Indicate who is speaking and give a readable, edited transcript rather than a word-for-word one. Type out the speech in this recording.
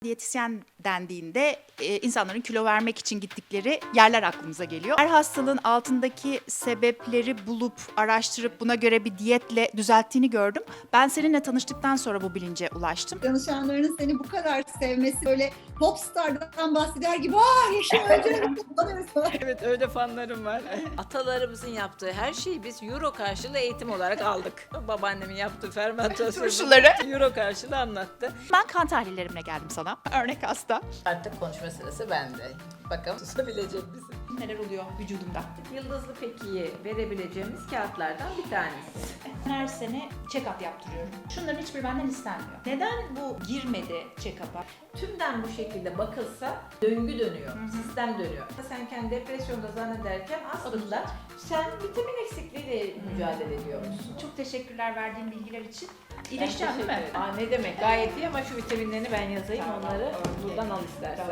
Speaker 1: Diyetisyen dendiğinde insanların kilo vermek için gittikleri yerler aklımıza geliyor. Her hastalığın altındaki sebepleri bulup, araştırıp buna göre bir diyetle düzelttiğini gördüm. Ben seninle tanıştıktan sonra bu bilince ulaştım.
Speaker 2: Danışanlarının seni bu kadar sevmesi, böyle popstardan bahseder gibi ''Aa Yeşim Hoca'yı kutlanıyoruz falan.''
Speaker 3: Evet, öyle fanlarım var. Atalarımızın yaptığı her şeyi biz euro karşılığı eğitim olarak aldık. Babaannemin yaptığı fermentasyon
Speaker 1: Turşuları.
Speaker 3: euro karşılığı anlattı.
Speaker 1: Ben kan tahlillerimle geldim sana. Örnek hasta.
Speaker 3: Artık konuşma sırası bende. Bakalım susabilecek misin?
Speaker 1: Neler oluyor vücudumda?
Speaker 3: Yıldızlı Peki'yi verebileceğimiz kağıtlardan bir tanesi.
Speaker 1: Her sene check-up yaptırıyorum. Şunların hiçbiri benden istenmiyor. Neden bu girmedi check-up'a?
Speaker 3: Tümden bu şekilde bakılsa döngü dönüyor, sistem dönüyor. Sen kendi depresyonda zannederken aslında sen vitamin eksikliğiyle mücadele ediyorsun.
Speaker 1: Çok teşekkürler verdiğin bilgiler için. İyileşeceğim değil mi?
Speaker 3: Ne demek, gayet iyi ama şu vitaminlerini ben yazayım, onları buradan al istersen.